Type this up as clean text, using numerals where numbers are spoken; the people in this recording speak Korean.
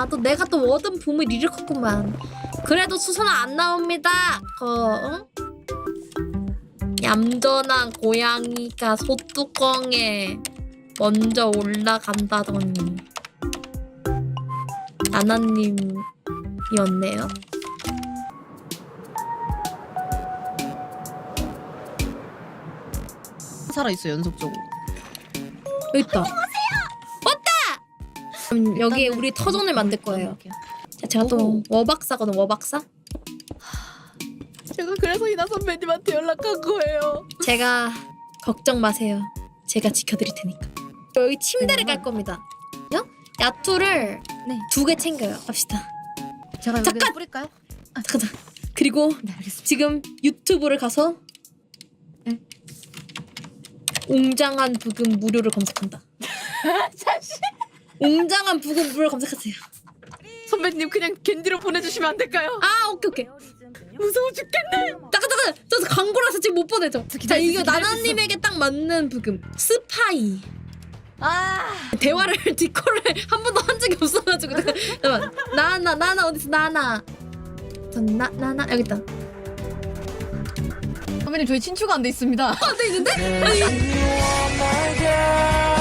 또 내가 또 워든 봄을 일으켰구만. 그래도 수선은 안 나옵니다. 응? 얌전한 고양이가 소뚜껑에 먼저 올라간다더니 나나님이었네요. 살아있어 연속적으로. 여기 있다. 왔다. 그럼 여기에 우리 터전을 만들 거예요. 자, 제가 또 워박사거든. 워박사. 제가 그래서 이나 선배님한테 연락한 거예요. 제가 걱정 마세요. 제가 지켜드릴 테니까. 여기 침대를 깔 겁니다. 야투를 네. 2개 챙겨요. 갑시다. 제가 잠깐! 여기다 뿌릴까요? 잠깐. 그리고 네 알겠습니다. 지금 유튜브를 가서 네? 웅장한 부금 무료를 검색한다. 잠시. 웅장한 부금 무료를 검색하세요. 선배님 그냥 겐디로 보내주시면 안 될까요? 아 오케이. 무서워 죽겠네. 잠깐. 저 광고라서 지금 못 보내죠. 자 이거 기다릴 수 나나님에게 딱 맞는 부금. 스파이. 아 대화를 디코를 한 번도 한 적이 없어가지고 잠깐만. 나나 어딨어 나나. 전 나나 여기 있다. 선배님 저희 친추가 안 돼 있습니다. 안 돼 있는데? 아니.